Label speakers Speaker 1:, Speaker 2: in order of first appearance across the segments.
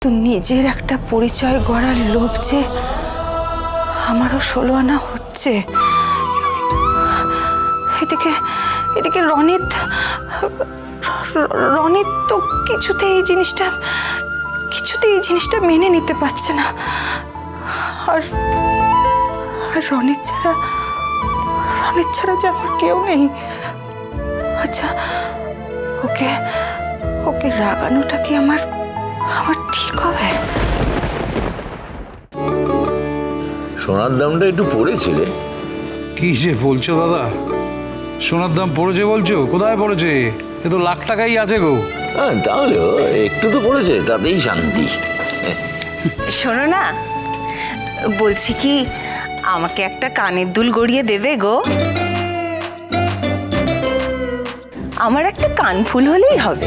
Speaker 1: তো নিজের একটা পরিচয় গড়ার লোভ যে আমারও 16 আনা হচ্ছে। এদিকে এদিকে রনিত তো কিছুতেই এই জিনিসটা মেনে নিতে পারছে না। আর রনিত ছাড়া যে আমার কেউ নেই। আচ্ছা, ওকে রাগানোটা কি আমার ঠিক হবে?
Speaker 2: সোনার দামটা একটু পড়েছে রে।
Speaker 3: কি যে বলছো দাদা, সোনার দাম পড়েছে বলছো? কোথায় পড়েছে? এ তো লাখ টাকাই আছে গো।
Speaker 2: হ্যাঁ, তাহলেও একটু তো পড়েছে, তাতেই শান্তি।
Speaker 4: শোনো না, বলছি কি আমাকে একটা কানের দুল গড়িয়ে দেবে গো? আমার একটা কানফুল হলেই হবে।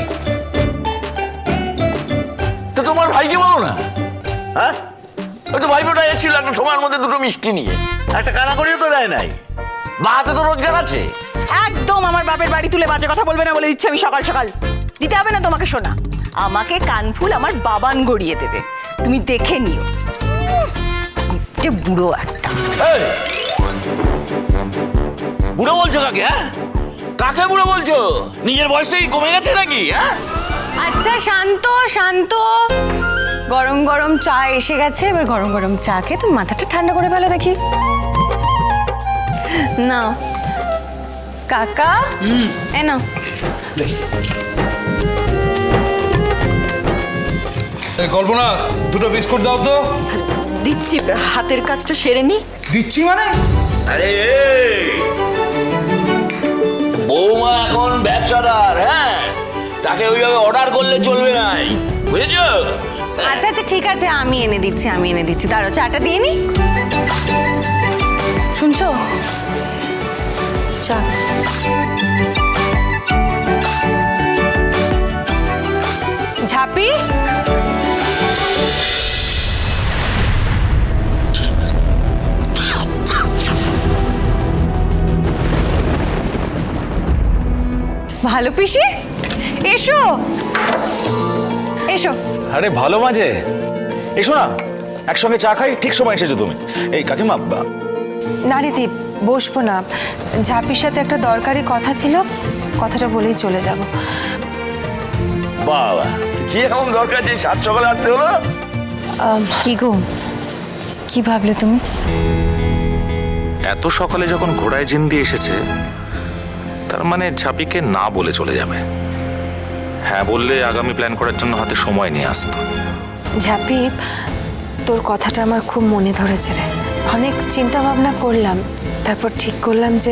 Speaker 2: তো তোমার ভাইকে বলো না। হ্যাঁ, ওই তো ভাইবোটা এসেছিল একটা সময়ের মধ্যে দুটো মিষ্টি নিয়ে, একটা কানা করিও তো দেয় নাই। বা হাতে তো রোজগার আছে।
Speaker 4: একদম আমার বাপের বাড়ি তুলে বাজে কথা বলবে না বলে দিচ্ছি আমি। সকাল সকাল দিতে হবে না তোমাকে সোনা। আমাকে কানফুল আমার বাবান গড়িয়ে দেবে, তুমি দেখে নিও। যে বুড়ো একটা।
Speaker 2: এই, বুড়ো বলছো কাকে? হ্যাঁ, কাকে বুড়ো বলছো? নিজের বয়সটাই কমে গেছে নাকি? হ্যাঁ,
Speaker 5: আচ্ছা শান্ত। গরম গরম চা এসে গেছে, এবার গরম গরম চা খেয়ে তুমি মাথাটা ঠান্ডা করে ফেলো দেখি। নাও কাকা, এ নাও।
Speaker 3: কল্পনা, দুটো বিস্কুট দাও তো।
Speaker 1: দিচ্ছি, হাতের কাজটা সেরে নি।
Speaker 3: দিচ্ছি মানে?
Speaker 2: আরে বৌমা এখন ব্যবসাদার। হ্যাঁ, তাকে ওইভাবে অর্ডার করলে চলবে না, বুঝেছো?
Speaker 5: আচ্ছা ঠিক আছে, আমি এনে দিচ্ছি। দাঁড়াও, চাটা দিয়ে নি। শুনছো? চা।
Speaker 1: ঝাপি,
Speaker 5: ভালো পিসি, এসো।
Speaker 6: আরে ভালো মাঝে এসো না, একসঙ্গে চা খাই। ঠিক সময় এসেছো তুমি। এই কাকিমা,
Speaker 1: না রে দীপ, বসবো না। ঝাপির সাথে একটা দরকারি কথা ছিল, কথাটা বলেই চলে যাব।
Speaker 2: বাবা, কি এমন দরকার যে সাত সকালে আসতে হলো?
Speaker 5: কি গো, কি ভাবলে তুমি?
Speaker 6: এত সকালে যখন ঘোড়ায় জিন্দি এসেছে, তার মানে ঝাপিকে না বলে চলে যাবে। হ্যাঁ বললে আগামী প্ল্যান করার জন্য হাতে সময় নিয়ে আসতো।
Speaker 1: ঝাপি, তোর কথাটা আমার খুব মনে ধরেছে রে। অনেক চিন্তা ভাবনা করলাম, তারপর ঠিক করলাম যে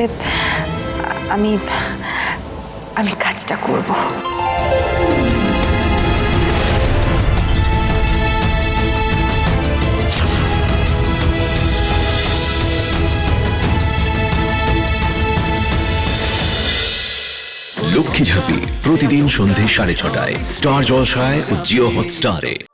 Speaker 1: আমি কাজটা করব।
Speaker 7: লক্ষ্মী ঝাঁপি প্রতিদিন সন্ধে 6:30টায় স্টার জলসায় ও জিও হটস্টারে।